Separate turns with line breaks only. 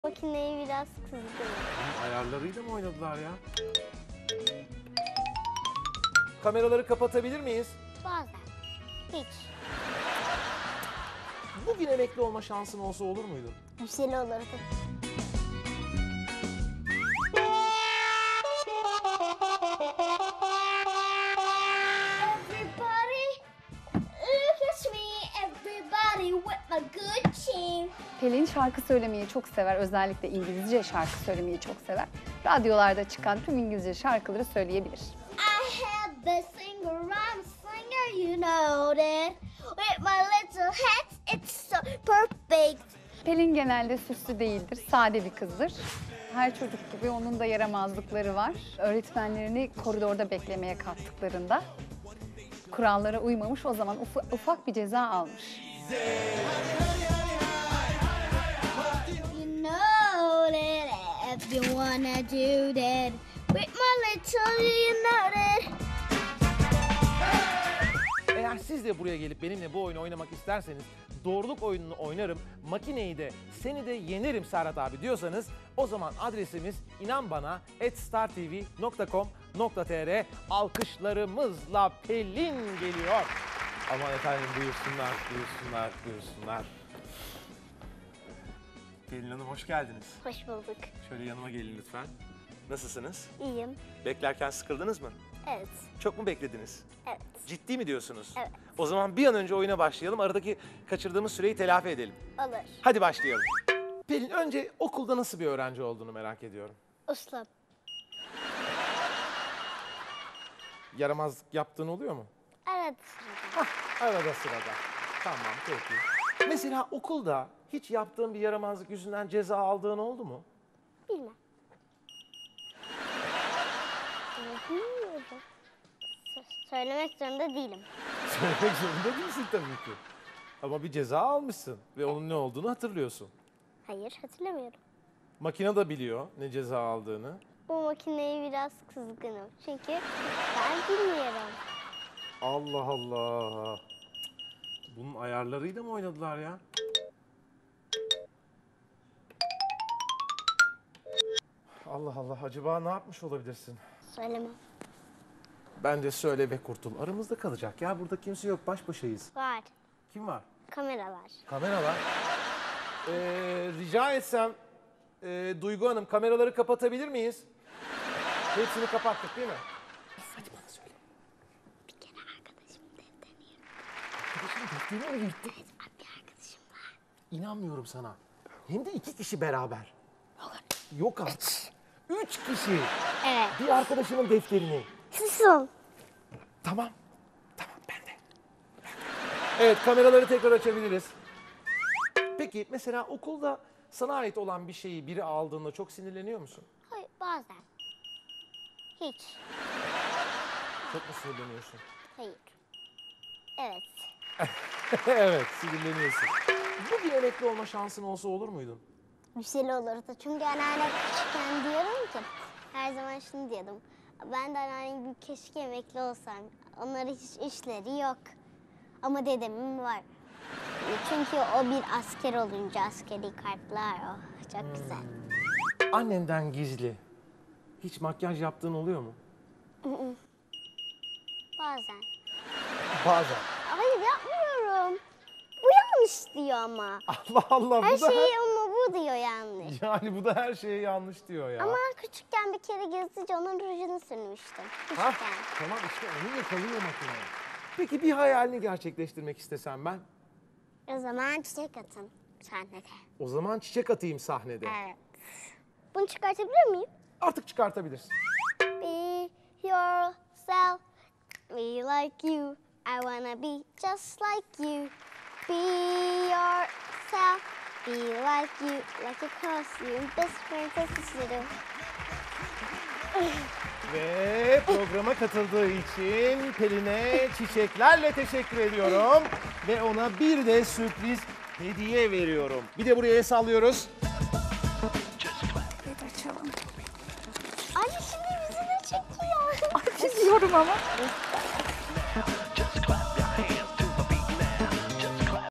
Makineyi biraz kızdım.
Ayarlarıyla mı oynadılar ya? Kameraları kapatabilir miyiz?
Bazen. Hiç.
Bugün emekli olma şansın olsa olur muydu?
Güzel olurdu. Everybody, look at me. Everybody with my good team.
Pelin şarkı söylemeyi çok sever. Özellikle İngilizce şarkı söylemeyi çok sever. Radyolarda çıkan tüm İngilizce şarkıları söyleyebilir.
I have the singer, I'm a singer, you know that. With my little hat, it's so perfect.
Pelin genelde süslü değildir, sade bir kızdır. Her çocuk gibi onun da yaramazlıkları var. Öğretmenlerini koridorda beklemeye kalktıklarında kurallara uymamış, o zaman ufak bir ceza almış.
You know that if you wanna do that. With my little, you know that.
Eğer siz de buraya gelip benimle bu oyunu oynamak isterseniz, doğruluk oyununu oynarım, makineyi de seni de yenerim Serhat abi diyorsanız, o zaman adresimiz inanbana@startv.com.tr. Alkışlarımızla Pelin geliyor. Aman efendim, buyursunlar, buyursunlar, buyursunlar. Pelin Hanım, hoş geldiniz.
Hoş bulduk.
Şöyle yanıma gelin lütfen. Nasılsınız?
İyiyim.
Beklerken sıkıldınız mı?
Evet.
Çok mu beklediniz?
Evet.
Ciddi mi diyorsunuz?
Evet.
O zaman bir an önce oyuna başlayalım. Aradaki kaçırdığımız süreyi telafi edelim.
Olur.
Hadi başlayalım. Pelin, önce okulda nasıl bir öğrenci olduğunu merak ediyorum.
Uslu.
Yaramazlık yaptığın oluyor mu?
Evet.
Arada sırada. Tamam, peki. Mesela okulda hiç yaptığın bir yaramazlık yüzünden ceza aldığın oldu mu?
Bilmem. Bilmiyorum. Söylemek zorunda değilim.
Söylemek zorunda değilsin tabii ki. Ama bir ceza almışsın ve onun ne olduğunu hatırlıyorsun.
Hayır, hatırlamıyorum.
Makine de biliyor ne ceza aldığını.
Bu makineye biraz kızgınım. Çünkü ben bilmiyorum.
Allah Allah. Bunun ayarlarıyla mı oynadılar ya? Allah Allah, acaba ne yapmış olabilirsin?
Söylemem.
Bence söyle ve kurtul. Aramızda kalacak ya, burada kimse yok, baş başayız.
Var.
Kim var?
Kameralar.
Kameralar. Rica etsem Duygu Hanım, kameraları kapatabilir miyiz? Hepsini kapattık değil mi? Hadi bana söyle.
Bir kere arkadaşım defterini yırttı.
Arkadaşım defterini mi yırttı?
Evet, bir arkadaşım var.
İnanmıyorum sana. Hem de 2 kişi beraber. Yok artık. 3 kişi.
Evet.
Bir arkadaşımın defterini.
Susun.
Tamam. Tamam, ben de. Evet, kameraları tekrar açabiliriz. Peki mesela okulda sana ait olan bir şeyi biri aldığında çok sinirleniyor musun?
Hayır, bazen. Hiç.
Çok mu sinirleniyorsun?
Hayır. Evet.
Evet, sinirleniyorsun. Bugün emekli olma şansın olsa olur muydun?
Güzel olurdu. Çünkü anneanne küçükken diyorum ki, her zaman şunu diyordum. Ben de anneannem gibi keşke emekli olsam. Onların hiç işleri yok. Ama dedemin var. Çünkü o bir asker olunca askeri kartlar o. Çok güzel.
Annenden gizli hiç makyaj yaptığın oluyor mu?
Bazen.
Bazen.
Hayır, yapmıyorum. Bu yanlış diyor ama.
Allah Allah,
Her
bu da
şeyi ama bu diyor yanlış.
yani bu da her şeye yanlış diyor ya.
Ama küçükken bir kere gizlice onun rujunu sürmüştüm.
Ha?
Küçükken.
Tamam, işte onu yakalıyor makine. Peki bir hayalini gerçekleştirmek istesem ben?
O zaman çiçek atın sahnede.
O zaman çiçek atayım sahnede.
Evet. Bunu çıkartabilir miyim?
Artık çıkartabilirsin.
Be yourself, be like you. I wanna be just like you. Be yourself, be like you. Like a costume, best friend, sister.
Ve programa katıldığı için Pelin'e çiçeklerle teşekkür ediyorum. Ve ona bir de sürpriz hediye veriyorum. Bir de buraya sallıyoruz.
Anne şimdi yüzünü çekiyor.
Çiziyorum ama.